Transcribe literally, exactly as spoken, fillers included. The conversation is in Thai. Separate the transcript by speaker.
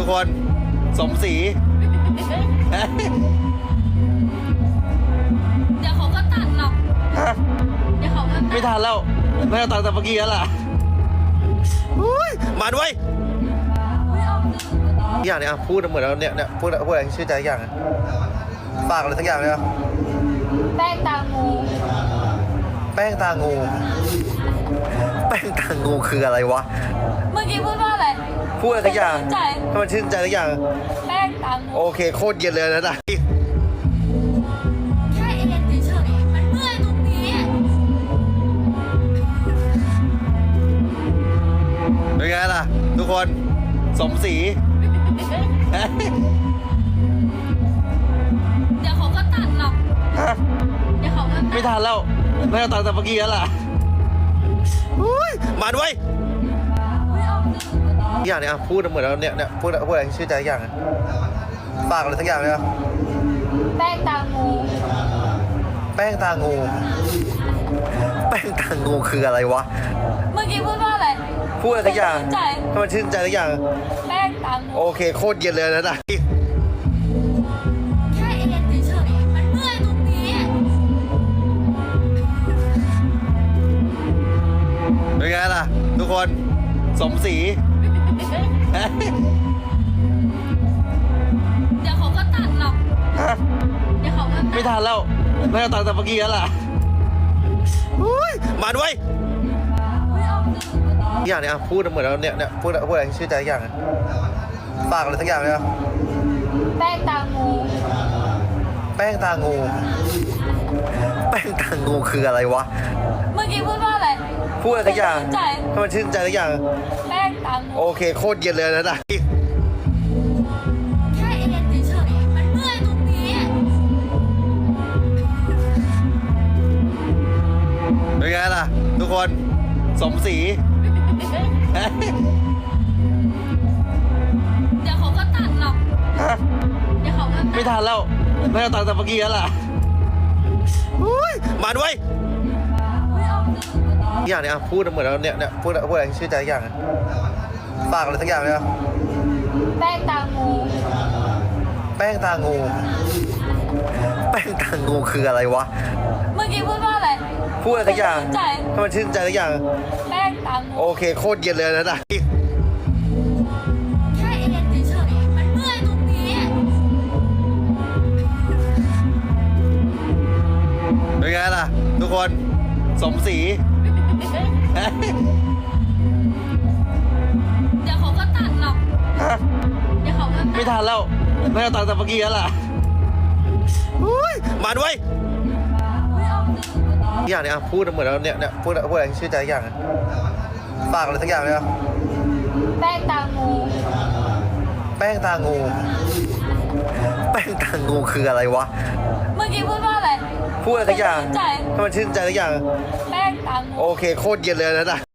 Speaker 1: คนสมศรี
Speaker 2: เดี๋ยวเขาก็ตัดหรอกเดี๋ยวเขาก็ตัด
Speaker 1: ไม่ทันแล้วไม่เอาตังค์แต่เมื่อกี้แล้วล่ะมาด้วยอย่างเนี้ยพูดเหมือนเราเนี่ยเนี่ยพูดพูดอะไรชื่อใจอย่างฝากอะไรสักอย่างเลยอ่ะ
Speaker 2: แป้งตางู
Speaker 1: แป้งตางูแป้งตางูคืออะไรวะ
Speaker 2: เมื่อกี้พูดว่าอะไร
Speaker 1: พูดอะไรสักอย่าง
Speaker 2: ใจ
Speaker 1: ถ้ามันชื่นใจสักอย่าง
Speaker 2: แป้งตางู
Speaker 1: โอเคโคตรเย็นเลยนะนะ
Speaker 2: แค่เอ็นเฉยๆมันเมื่อยตรงนี้
Speaker 1: เป็นไงล่ะทุกคนสมศรี
Speaker 2: เดี๋ยวเขาก็ตัดหรอกเดี๋ยวเขาก็ตัด
Speaker 1: ไม่ทันแล้วไม่เอาตังค์แต่เมื่อกี้แล้วล่ะมาด้วยอย่างเนี้ยพูดเหมือนเราเนี่ยเนี่ยพูดพูดอะไรชื่อใจอย่างฝากอะไรสักอย่างเลยอ่ะ
Speaker 2: แป้งตางู
Speaker 1: แป้งตางูแป้งตางูคืออะไรวะ
Speaker 2: เมื่อกี้พูดว่าอะไร
Speaker 1: พูดอะไรสักอย่าง
Speaker 2: ใจ
Speaker 1: ถ้ามันชื่นใจสักอย่าง
Speaker 2: แป้งตางู
Speaker 1: โอเคโคตรเย็นเลยนะนะ
Speaker 2: แค่เอ็นเฉยๆมันเมื่อยตรงนี้
Speaker 1: เป็นไงล่ะทุกคนสมศรี
Speaker 2: เดี๋ยวเขาก็ตัดหรอกเดี๋ยวเขาก็ตัด
Speaker 1: ไม่ทันแล้วไม่เอาตังค์แต่เมื่อกี้แล้วล่ะมาด้วยอย่างเนี้ยพูดเหมือนเราเนี่ยเนี่ยพูดพูดอะไรชื่อใจอย่างฝากอะไรสักอย่างเลยอ่ะ
Speaker 2: แป้งตางู
Speaker 1: แป้งตางูแป้งตางูคืออะไรวะ
Speaker 2: เมื่อกี้พูดว่าอะไร
Speaker 1: พูดอะไรสักอย่าง
Speaker 2: ใจ
Speaker 1: ถ้ามันชื่นใจสักอย่าง
Speaker 2: แป้งตางู
Speaker 1: โอเคโคตรเย็นเลยนะนะ
Speaker 2: แค่เอ็นเฉยๆมันเมื่อยตรงนี้
Speaker 1: เป็นไงล่ะทุกคนสมศรี
Speaker 2: เดี๋ยวเขาก็ตัดหรอกเดี๋ยวเขาก็ตัด
Speaker 1: ไม่ทันแล้วไม่เอาตังค์แต่เมื่อกี้แล้วล่ะมาด้วยอย่างเนี้ยพูดเหมือนเราเนี่ยเนี่ยพูดพูดอะไรชื่อใจอย่างฝากอะไรสักอย่างเลยอ่ะ
Speaker 2: แป้งตางู
Speaker 1: แป้งตางูแป้งตางูคืออะไรวะ
Speaker 2: เมื่อกี้พูดว่าอะไร
Speaker 1: พูดอะไรสักอย่าง
Speaker 2: ใจ
Speaker 1: ถ้ามันชื่นใจสักอย่าง
Speaker 2: แป้งตางู
Speaker 1: โอเคโคตรเย็นเลยนะนะ
Speaker 2: แค่เอ็นเฉยๆมันเมื่อยตรงนี้
Speaker 1: เป็นไงล่ะทุกคนสมศรี
Speaker 2: เดี๋ยวเขาก็ตัดหรอกเดี๋ยวเขาก็ตัด
Speaker 1: ไม่ทันแล้วไม่เอาตังค์แต่เมื่อกี้แล้วล่ะมาด้วยอย่างเนี้ยพูดเหมือนเราเนี่ยเนี่ยพูดพูดอะไรชื่อใจอย่างฝากอะไรสักอย่างเลยอ่ะ
Speaker 2: แป้งตางู
Speaker 1: แป้งตางูแป้งตางูคืออะไรวะ
Speaker 2: เมื่อกี้พูดว่าอะไร
Speaker 1: พูดอะไรสักอย่าง
Speaker 2: ใจ
Speaker 1: ถ้ามันชื่นใจสักอย่าง
Speaker 2: แป้งตางู
Speaker 1: โอเคโคตรเย็นเลยนะนะ